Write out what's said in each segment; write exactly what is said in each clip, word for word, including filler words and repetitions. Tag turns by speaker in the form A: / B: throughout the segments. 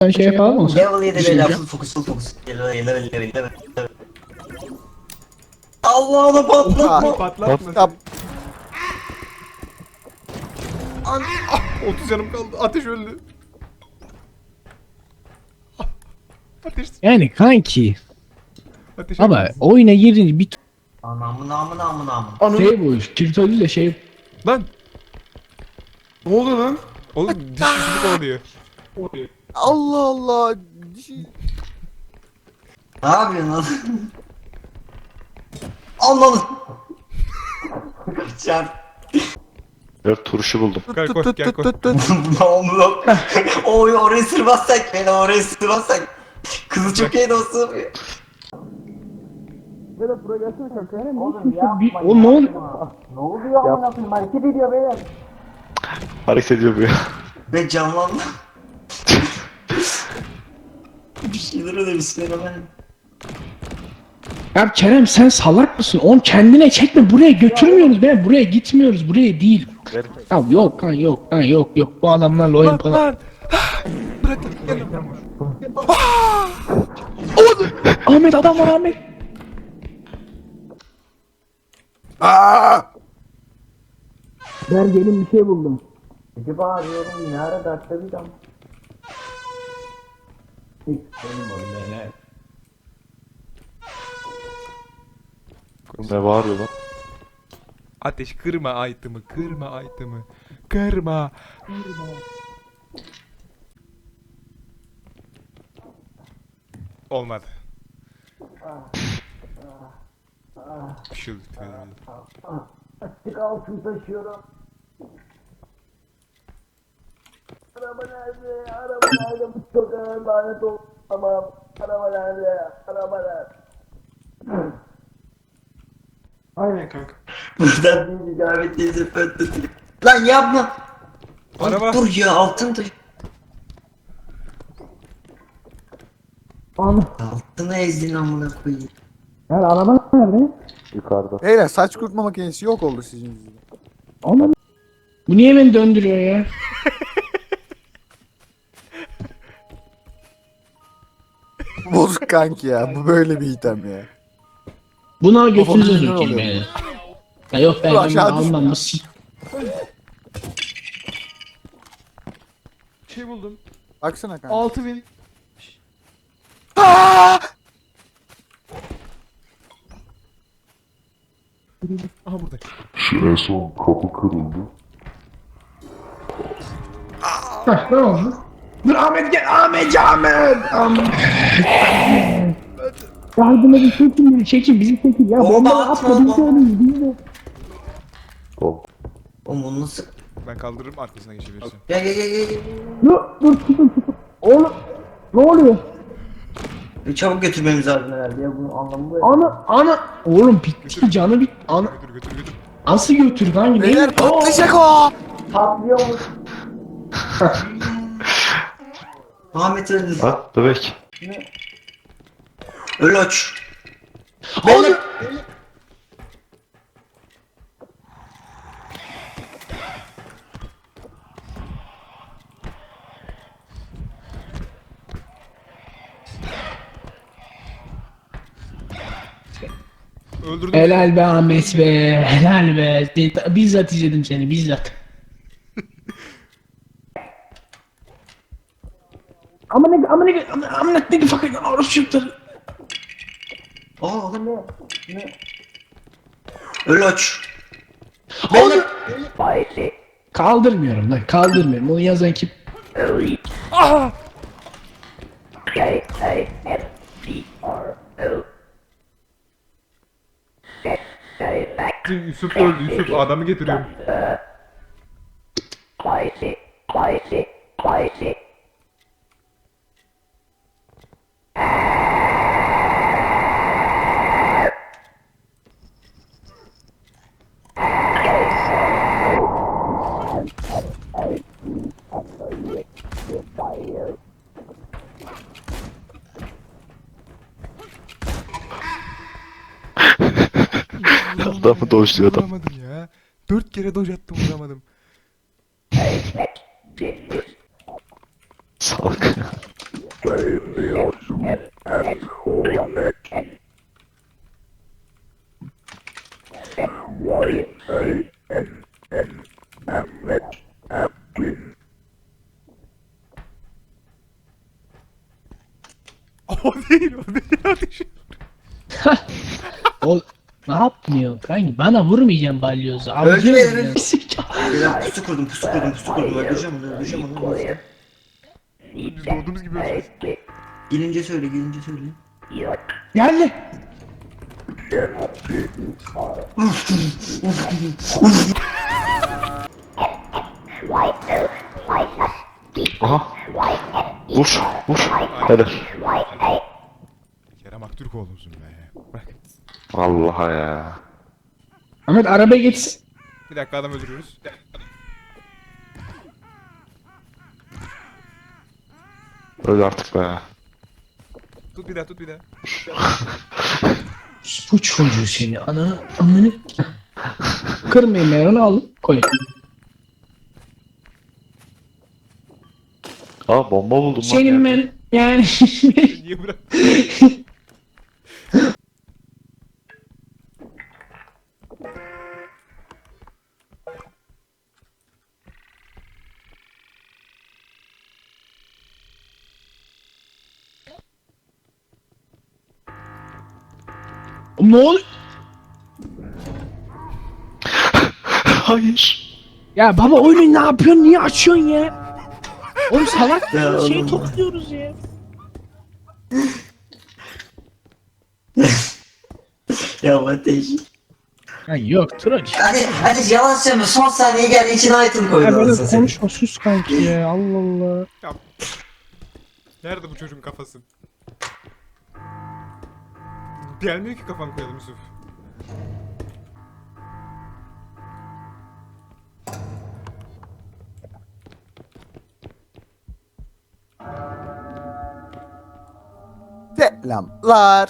A: Ben şey yapalım mı?
B: Level yedi
A: Bir şey
B: beyler,
A: diyeceğim.
B: full fokus full fokus. Level yedi level yedi level yedi. Allah onu patlatma.
C: Patlatma.
D: Yap.
C: An ah, otuz canım kaldı. Ateş öldü. Ah, Ateş.
A: Yani kanki.
C: Ateş
A: Ama
C: öldü.
A: oyuna girince bir
B: Anamın amın amın amın.
C: Ananı.
A: şey bu. Kirtolü de şey.
C: Lan.
D: Ne oluyor lan?
C: Oğlum diş yüzünü kovalıyor.
D: Allah Allah.
B: Ne yapıyorsun lan? Allah'ım. Kaçar.
E: Evet turşu buldum.
C: Gel koş gel koş.
B: Ne oldu lan? Oy orayı sırmazsak beni orayı sırmazsak. Kızı çok iyi dostum. Oğlum
A: Bir, o ne oluyor?
B: Ne oluyor amına koyayım, hareket ediyor beyler.
E: Hareket ediyor bu ya.
B: Ben canlandım. Bir şeyler öyle bismillah.
A: Ya Kerem sen salak mısın? Onu kendine çekme. Buraya götürmüyoruz be. Buraya gitmiyoruz. Buraya değil. Ya yok kan yok kan yok yok. Bu adamlarla oyun
C: Lan
A: falan.
C: lan. Bırak gel.
A: Ahmet adam var Ahmet.
D: Aa!
A: Ben gelin bir şey buldum.
B: Acaba arıyorum ne ara dertte bir dam.
E: Ne bağırıyor lan?
C: Ateş kırma item'ı, kırma item'ı. Kırma. Olmadı. Bir şey oldu.
B: Açık altın taşıyorum. Araba nerede? Araba nerede? Bu çok ağır lanet olsun. Tamam. Araba nerede? Araba nerede?
D: Aynen kanka.
B: Buradan bir icabet değilse pöttü. Lan yapma.
C: Araba.
B: Ay, dur ya altın taşı.
A: Ana.
B: Altını ezdin amına koyayım.
A: Yani araba nerede?
E: Yukarıda.
D: Beyler saç kurutma makinesi yok oldu sizin yüzünüzden.
A: Ana. Bu niye beni döndürüyor ya?
D: Bozuk kanki ya. Bu böyle bir item ya.
A: Buna götünüze
D: Babamın
A: sokayım
D: oluyor.
A: beni. Ya yok ben
D: Dur,
A: bunu
D: aşağı
A: almam
D: düşme.
A: bu si-
C: Şey buldum.
D: Baksana kanka.
C: altı bin.
D: Aa!
C: Aha burada.
F: En son kapı kırıldı.
A: Hah, ne oldu? Dur Ahmet gel Ahmet Ahmet Ahmet. Yardım edin çekin beni çekin bizi çekin ya.
B: Bomba
A: Bomba
B: atma,
A: atma biz de
B: bomba.
A: ölürüz biz de.
E: Tamam.
B: Oğlum onu nasıl?
C: Ben kaldırırım arkasına geçebilirsin.
B: Gel gel gel gel. gel.
A: Dur dur tutun tutun. Oğlum ne oluyor?
B: Bir çabuk götürmemiz lazım herhalde ya, bunun anlamı bu.
A: Ana ana. Oğlum bitti canı bit. Ana.
C: Götür götür götür.
A: Nasıl götür kanki?
D: Beyler
A: Ne?
D: patlayacak o.
B: Patlıyormuş. Ahmet öldü.
E: Ha bebek.
B: Öl aç.
A: Beyler.
C: Öldürdüm.
A: Helal be Ahmet be. Helal be. De- Bizzat izledim seni bizzat. Ama ne ama ne ama ne ne fakir orası çocukları.
B: Aa oğlum ne? Ne? Öl aç.
A: Beyler. Kaldırmıyorum lan kaldırmıyorum. Onu yazan kim?
C: Aha! Yusuf öldü Yusuf adamı getiriyorum.
E: Adamı dojluyor adam.
C: Vuramadım ya. Dört kere doj attım vuramadım.
E: Salak.
C: O değil, o değil ateş.
A: O ne yapmıyor kanki? Bana vurmayacaksın balyozu.
G: Öldürmeyelim.
A: Avcı
G: Beyler pusu kurdum, pusu kurdum, pusu kurdum. Öldüreceğim onu, öldüreceğim onu. öldüreceğim.
C: Biz doğduğumuz gibi öleceğiz.
G: Gelince söyle, gelince söyle.
A: Geldi.
E: Aha. Vur. Vur. Helal.
C: Kerem Aktürkoğlu'msun be. Bırak.
E: Vallahi ya.
A: Ahmet arabaya geçsin.
C: Bir dakika adam öldürüyoruz.
E: Öl artık be.
C: Tut bir daha, tut bir daha.
A: Bu çocuğu seni ananı ananı. Kırmayın meranı alın koyun.
E: Aa bomba buldum lan.
A: Senin
E: ya.
A: ben yani
C: Niye bırak?
A: ne oluyor?
E: Hayır.
A: Ya baba oyunu ne yapıyorsun? Niye açıyorsun ya? Oğlum salak
G: Ya
A: mısın? Şey
G: oğlum.
A: topluyoruz ya.
G: Ya ateş.
A: Ha yok troll işte.
G: Hadi, hadi yalan söyleme. Son saniye geldi, içine item
A: Ya
G: koydu.
A: böyle
G: anasını satayım.
A: konuşma sus kanki ya Allah Allah.
C: Nerede bu çocuğun kafası? Gelmiyor ki kafan koyalım Yusuf.
D: Selamlar.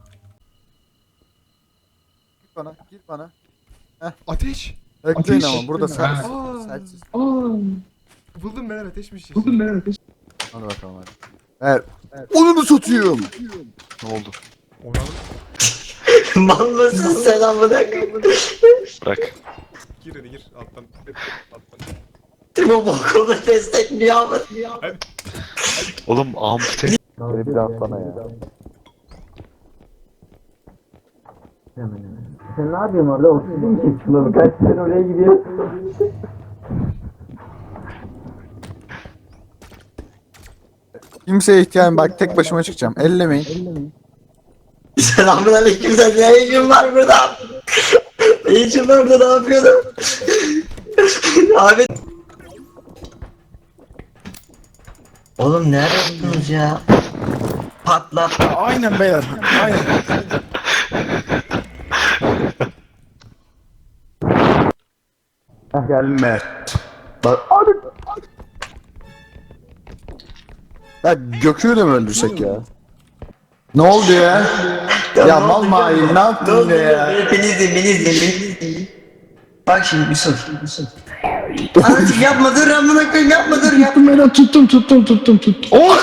D: Gir bana, gir bana.
C: Ateş!
D: Bekleyin
A: Ateş.
D: ama burada sen.
C: Aa.
D: Sensiz.
A: Aa,
C: Buldum ben ateşmiş.
A: buldum ben ateş.
D: Hadi bakalım hadi. Ver. Onu mu satayım?
E: Ne oldu?
C: Onu alıp
G: Mal mısın sen amına koyayım?
E: Bırak.
C: gir hadi gir alttan. Alttan.
G: Bu bokunu destekliyor ama.
E: Oğlum ampute. Beni bir daha atsana ya.
G: Sen ne yapıyorsun orada? Oksijen mi çekiyorsun? Kaç sen oraya gidiyorsun?
D: Kimseye ihtiyacım bak tek başıma çıkacağım. Ellemeyin.
G: Selamünaleyküm, sen ne işin var burada? Ne işin var burada, ne yapıyordun? Abi. Oğlum nerede buldunuz ya? Patlat.
D: Aynen beyler. Aynen. Gelme. Bak. Ya Gökü'yü de mi öldürsek ya? Ne oldu ya? Ya mal mail ne yaptın yine ya?
G: Beni izleyin, beni izleyin, beni izleyin. Bak şimdi Yusuf, Yusuf. Anacık yapma, dur amına koyayım, yapma, dur yapma.
A: Tuttum ben tuttum tuttum tuttum tuttum. Oh!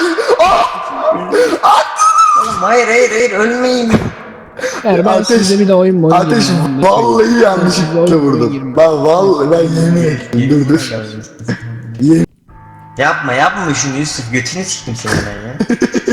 G: Oğlum hayır, hayır, hayır, ölmeyin.
A: Yani ben
D: Ateş-
A: size bir de oyun mu oynayayım?
D: Ateş
A: Ben de
D: vallahi
A: söyleyeyim.
D: yanlışlıkla
A: Size oyun
D: vurdum.
A: oynayayım.
D: Ben vallahi ben yemin ettim. Dur dur.
G: Yapma, yapma şunu Yusuf, götünü siktim senin ben ya.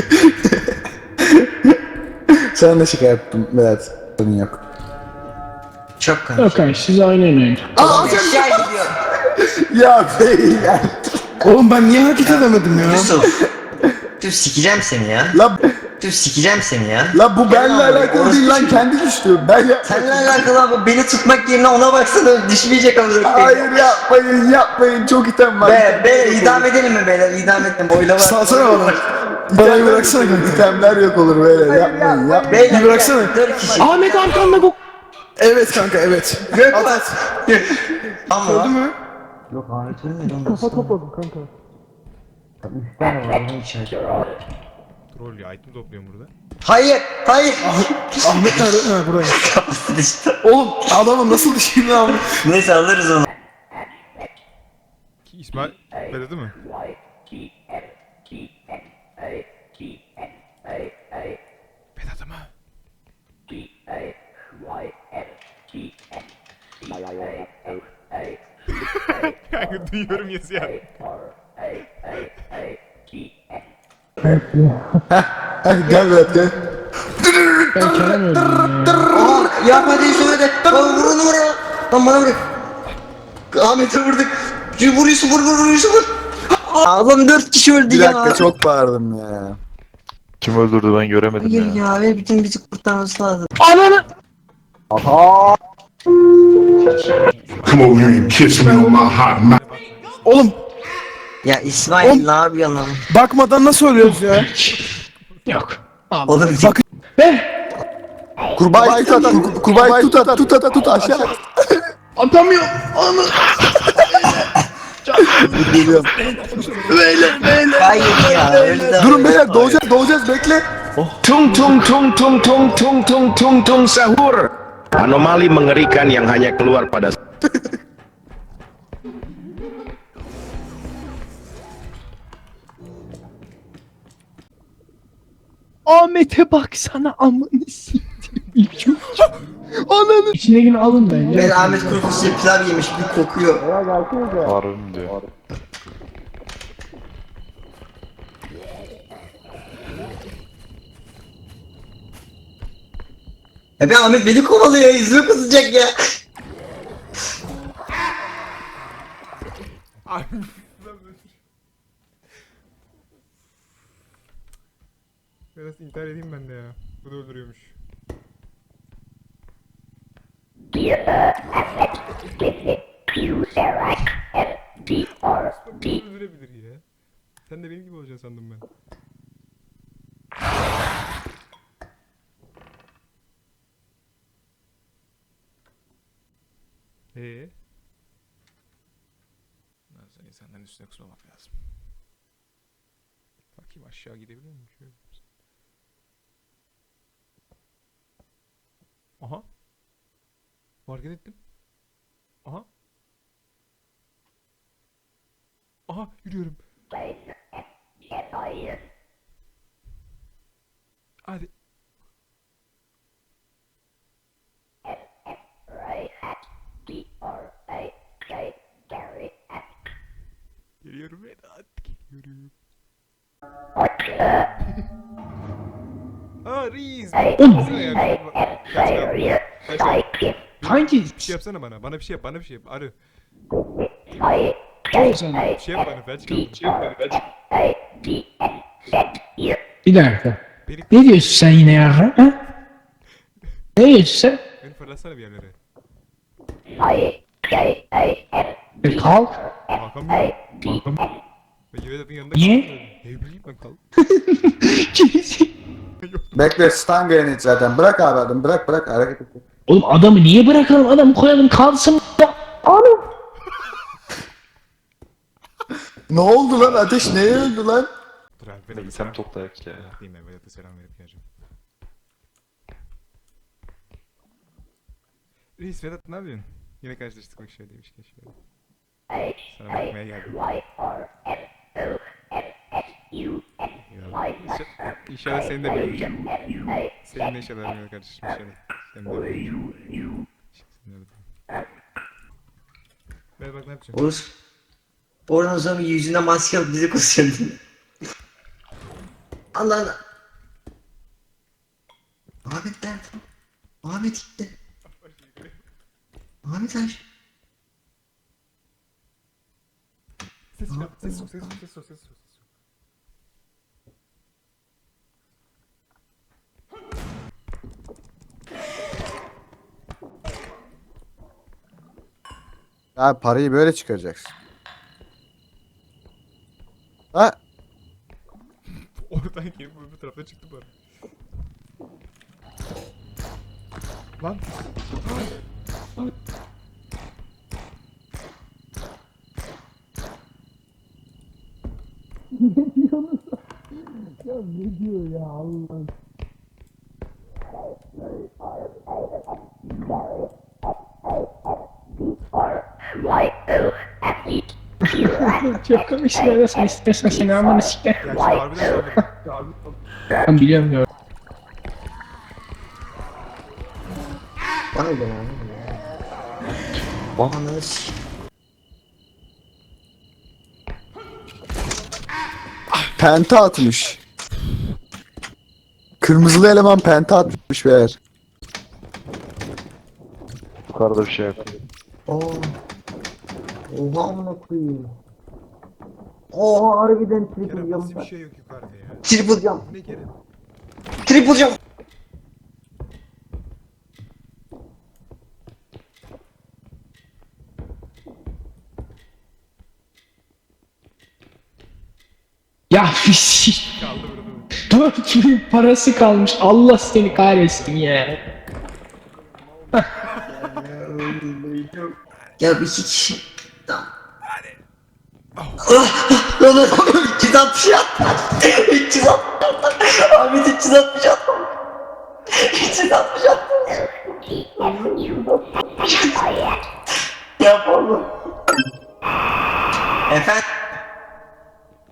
D: Sen de şaka yaptım Berat. Sorun yok.
G: Çok
A: Yok
G: kanka.
A: kanka size oynayın oyun.
G: Aa, aşağı gidiyor.
D: Ya beyler.
H: Oğlum ben niye hareket edemedim ya?
G: Yusuf. Yusuf sikeceğim seni ya.
D: La,
G: Yusuf sikeceğim seni ya.
D: la bu benimle
G: Gel lan,
D: alakalı
G: orası
D: değil lan
G: düşün.
D: kendi düştü. Ben ya...
G: Seninle alakalı abi, beni tutmak yerine ona baksana, düşmeyecek amına koyayım.
D: Hayır yapmayın yapmayın çok item var.
G: Be, be, idam edelim mi beyler, idam edelim, oylama.
H: Salsana bana. Bana bıraksana kanka.
D: İtemler yok olur böyle yapmayın yapmayın.
G: Beyler,
H: Bir bıraksana.
G: dört kişi.
A: Ahmet arkanda bu.
H: Evet kanka evet.
G: Gök
H: At
G: var.
H: at.
G: Ama
H: Gördün mü?
G: yok Ahmet ölmedi lan. Kafa topladım kanka. Üç tane var lan içeride.
C: Troll ya item topluyorum burada.
G: Hayır, hayır.
H: Ahmet nerede? Ha buradaymış.
G: Kapısı düştü.
H: Oğlum adamı nasıl düşeyim lan?
G: Neyse alırız onu.
C: Ki İsmail belirdi mi? Vedat'ı mı? Kanka duyuyorum yazıyor.
D: Heh, gel Vedat gel.
A: Ben Kerem öldüm ya.
G: Aa yapma diye söyledi. Lan vur onu vur. Lan bana vur. Ahmet'e vurduk. Şu vuruyorsun vur vur vuruyorsun vur. Adam dört kişi öldü
D: Bir
G: ya.
D: dakika çok bağırdım ya.
E: Kim öldürdü ben göremedim
G: Hayır
E: ya.
G: ya ve bütün bizi kurtarması lazım.
A: Ananı!
F: Come over here and kiss me on my hot mouth.
H: Oğlum
G: Ya İsmail ne yapıyorsun lan?
H: bakmadan nasıl ölüyoruz ya?
A: Yok.
G: Oğlum
H: Bak-
A: Be!
D: Kurbağayı tut at, kur- kurbağayı tut at, tut at, tut aşağı.
A: Atamıyorum. Anı.
D: Geliyorum.
G: hayır ya öldü.
D: Durun beyler doğacağız, doğacağız bekle.
I: Tung tung tung tung tung tung tung tung tung sahur. Anomali mengerikan yang hanya keluar pada
A: Ahmet'e baksana amını siktir. Ananı. İçindekini alın bence.
G: Ben Ahmet kuru fasulye pilav yemiş bir kokuyor.
E: Harun diyor.
G: Ya be Ahmet beni kovalıyor yüzüme kızacak ya.
C: Abi. Biraz intihar edeyim ben de ya. Bu da öldürüyormuş. Öldürebilir ya. Sen de benim gibi olacaksın sandım ben. Eee? Nasıl insanların üstüne kusmamak lazım. Bakayım aşağı gidebilir miyim? Şöyle. Aha. Hareket ettim. Aha. Aha yürüyorum. Hadi. Geliyorum Vedat. Geliyorum. Aa Reis.
A: Oğlum.
C: Kaç kaldı? Kaç kaldı?
A: Kanki.
C: Bir şey yapsana bana. Bana bir şey yap. Bana bir şey yap. Arı.
A: Ol sen.
C: Bir şey yap bana. Felç kaldım. Bir şey yap bana. Felç.
A: Bir dakika.
C: Beni,
A: Ne diyorsun sen yine ya? Ha? Ne diyorsun sen?
C: beni fırlatsana bir yerlere.
A: E, kalk.
C: Kalkamıyorum. Kalkamıyorum. Ben Vedat'ın yanında
A: Niye?
C: kalkamıyorum. Ne bileyim ben kal.
D: Bekle stun grenade zaten. Bırak abi adam, bırak bırak hareket et.
A: Oğlum adamı niye bırakalım? Adamı koyalım kalsın. Anam.
D: Ne oldu lan? Ateş neye öldü lan?
C: Dur abi
E: Bir
C: Vedat'a
E: sen
C: selam.
E: toplayak ya.
C: Değil mi? Vedat'a selam verip geleceğim. Reis Vedat ne yapıyorsun? Yine karşılaştık bak şöyle demişken şöyle. Sana bakmaya geldim. Ya, inşallah, inşallah seni de beğeneceğim. Seninle inşallah benimle kardeşim inşallah. Seni de beğeneceğim. Seni de beğeneceğim. Ver bak ne yapacağım.
G: Oğuz. Oradan o zaman yüzüne maske alıp bizi kusuyordu. Allah Allah. Ahmet nerede? Ahmet gitti. Ahmet aç.
C: Ses yok, ses yok, ses yok, ses yok, ses yok.
D: Ya parayı böyle çıkaracaksın. Ha?
C: Oradan gelip bu tarafta çıktı bari. Lan.
A: Çok komik şeyler sen istersen seni amına siktir.
C: Ya şu harbiden söyledim.
A: Ben biliyorum ya.
G: Bana gel ya. Ananı s-
D: Penta atmış. Kırmızılı eleman penta atmış beyler.
E: Yukarıda bir şey yok.
G: Aa. Oha amına koyayım. Oha harbiden triple
C: Kerem
G: jump
C: nasıl bir
G: var.
C: şey yok yukarıda ya?
G: Triple jump.
C: Ne Kerem?
G: Triple jump.
A: Ya fişik.
C: Kaldı burada.
A: dört bin parası kalmış. Allah seni kahretsin ya.
G: Ya bir iki kişi. Tamam. Ah, lan lan üç yüz altmış attı. üç yüz altmış attı. Ahmet üç yüz altmış attı. üç yüz altmış attı. Ya pardon. Efendim?